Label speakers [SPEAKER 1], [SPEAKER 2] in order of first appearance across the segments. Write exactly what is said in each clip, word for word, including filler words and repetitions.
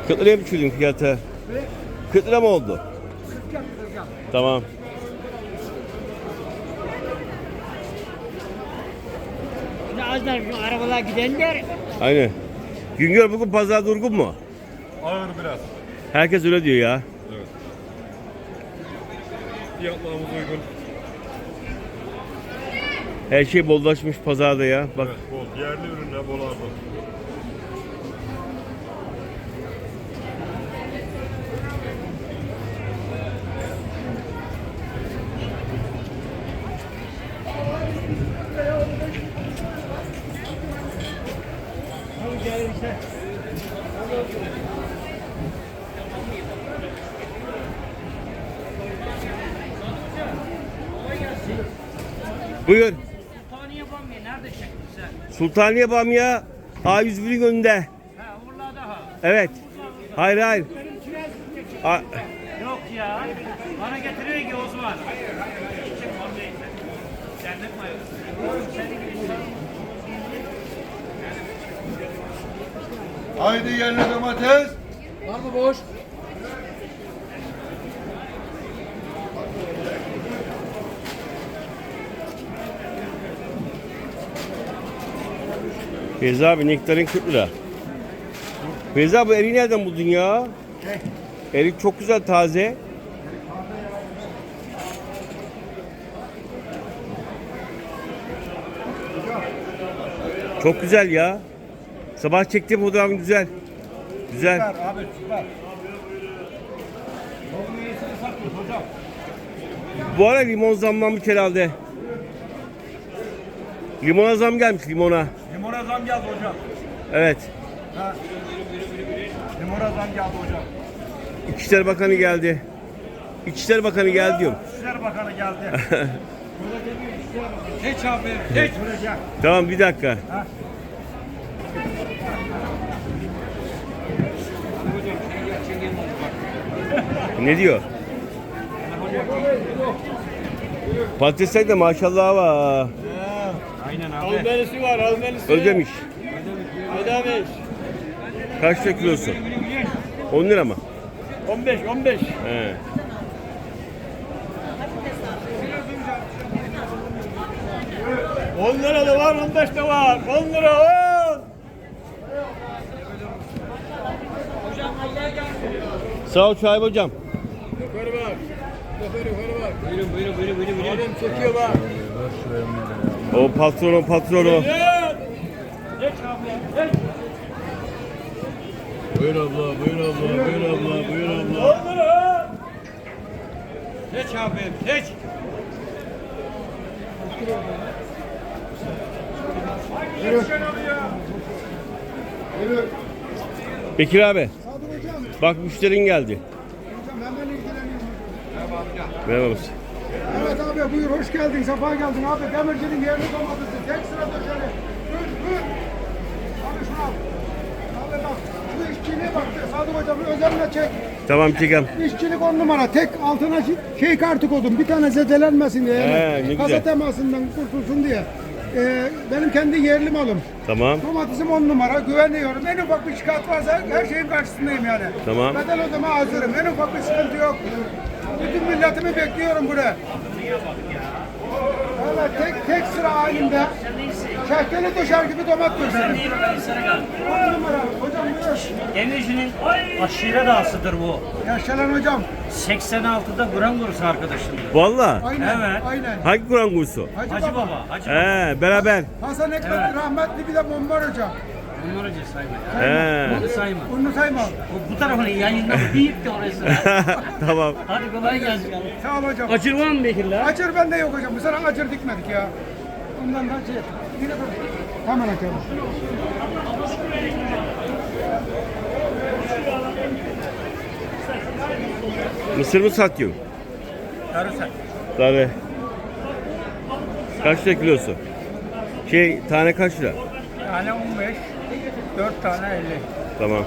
[SPEAKER 1] kırk liraya mı düşürdün fiyatı? kırk lira mı oldu? Tamam.
[SPEAKER 2] Şimdi az da şu arabalar gidenler.
[SPEAKER 1] Aynen. Güngör bugün pazar durgun mu?
[SPEAKER 3] Ağır biraz.
[SPEAKER 1] Herkes öyle diyor ya.
[SPEAKER 3] Evet. Fiyatlarımız uygun.
[SPEAKER 1] Her şey bollaşmış pazarda ya. Bak.
[SPEAKER 3] Evet, bol. Yerli ürünler bol ardı.
[SPEAKER 1] Buyur.
[SPEAKER 2] Sultaniye bamya nerede çektin sen?
[SPEAKER 1] Sultaniye Bamya A yüz birin önünde.
[SPEAKER 2] Ha Urla'da ha.
[SPEAKER 1] Evet. Hayır hayır. A-
[SPEAKER 2] Yok ya. Bana getiriyor ki Osman. Çek bamyayı sen. Cennet mayosu. Senin gibi
[SPEAKER 4] Haydi yerli domates.
[SPEAKER 5] Var mı boş?
[SPEAKER 1] Feyza abi nektarin kırk lira. Feyza bu eriği nereden buldun ya? Erik çok güzel taze. Çok güzel ya. Sabah çektiğim fotoğrafın güzel. Güzel.
[SPEAKER 4] Süper abi süper.
[SPEAKER 1] Bu ara limon zamlanmış herhalde. Limona zam gelmiş limona.
[SPEAKER 4] Limona zam geldi hocam.
[SPEAKER 1] Evet.
[SPEAKER 4] Ha. Limona zam geldi hocam.
[SPEAKER 1] İçişleri Bakanı geldi. İçişleri Bakanı geldi diyorum.
[SPEAKER 4] İçişleri Bakanı geldi.
[SPEAKER 5] Geç abi. Geç.
[SPEAKER 4] Sürecek.
[SPEAKER 1] Tamam bir dakika. Ne diyor? Patatesler de maşallah var.
[SPEAKER 5] Aynen abi. Almenisi var almenisi.
[SPEAKER 1] Ödemiş.
[SPEAKER 5] Ödemiş.
[SPEAKER 1] Kaç lira kilosu? on lira mı?
[SPEAKER 5] on beş on beş.
[SPEAKER 1] He.
[SPEAKER 5] on lira da var on beş de var. on lira on.
[SPEAKER 1] Sağ ol Şahip hocam.
[SPEAKER 5] Yukarı bak. Yukarı yukarı bak. Buyurun buyurun buyurun buyurun. Adam çekiyor bak.
[SPEAKER 1] O patronu patronu.
[SPEAKER 5] Geç. Geç abi. Geç.
[SPEAKER 4] Buyur abla, buyur abla, buyur abla, buyur abla.
[SPEAKER 5] on lira. Geç abi. Geç.
[SPEAKER 1] Bekir abi. Bak müşterin geldi.
[SPEAKER 6] Hemen ilgileniyorum.
[SPEAKER 1] Merhaba mısın?
[SPEAKER 6] Evet abi buyur hoş geldin, sefa geldin abi. Demircinin yerli domatesi. Tek sırada şöyle. Buyur buyur. Abi şunu al. Abi bak şu işçiliğe bak. Sadık hocam özenle çek.
[SPEAKER 1] Tamam çekem.
[SPEAKER 6] İşçilik on numara. Tek altına şi- şey kartı koydum. Bir tane zedelenmesin diye.
[SPEAKER 1] He, ne
[SPEAKER 6] Yani.
[SPEAKER 1] güzel.
[SPEAKER 6] Kasa temasından kurtulsun diye. Ee, benim kendi yerli malım.
[SPEAKER 1] Tamam.
[SPEAKER 6] Domatesim on numara. Güveniyorum. En ufak bir şikayet varsa her şeyin karşısındayım yani.
[SPEAKER 1] Tamam.
[SPEAKER 6] Bedel ödeme hazırım. En ufak bir sıkıntı yok. Bütün milletimi bekliyorum buraya. Evet, tek tek sıra halinde. Şeftali döşer gibi domat döşerim. On numara. Hocam buyur.
[SPEAKER 2] Demirci'nin aşire dağısıdır bu.
[SPEAKER 6] Yaşalan hocam.
[SPEAKER 2] seksen altıda Kur'an kursu arkadaşımdır.
[SPEAKER 1] Valla.
[SPEAKER 6] Aynen.
[SPEAKER 2] Evet.
[SPEAKER 6] Aynen.
[SPEAKER 1] Hangi Kur'an kursu?
[SPEAKER 6] Hacı,
[SPEAKER 2] Hacı
[SPEAKER 6] baba.
[SPEAKER 2] Baba, Hacı Baba.
[SPEAKER 1] He beraber.
[SPEAKER 6] Hasan Ekmek rahmetli bir de bombar hocam.
[SPEAKER 2] Bunları önce sayma.
[SPEAKER 1] He.
[SPEAKER 2] Bunu sayma.
[SPEAKER 6] Bunu sayma.
[SPEAKER 2] Bu, bu tarafını yayınlama. Deyip de orası.
[SPEAKER 1] Tamam.
[SPEAKER 2] Hadi kolay gelsin.
[SPEAKER 6] Sağ ol hocam.
[SPEAKER 2] Acır var mı Bekir'le?
[SPEAKER 6] Acır bende yok hocam. Bu sene acır dikmedik ya. Ondan da şey. Yine dur. Hemen açalım.
[SPEAKER 1] Mısır mı satıyorsun?
[SPEAKER 2] Karısak.
[SPEAKER 1] Tabii. Kaç lira kilosu? Şey tane kaç lira?
[SPEAKER 2] Tane on beş, dört tane elli.
[SPEAKER 1] Tamam.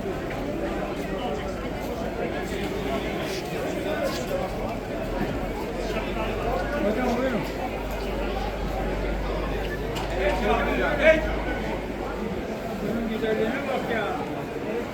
[SPEAKER 6] Hocam buyurun.
[SPEAKER 5] Bunun güzelliğine bak ya.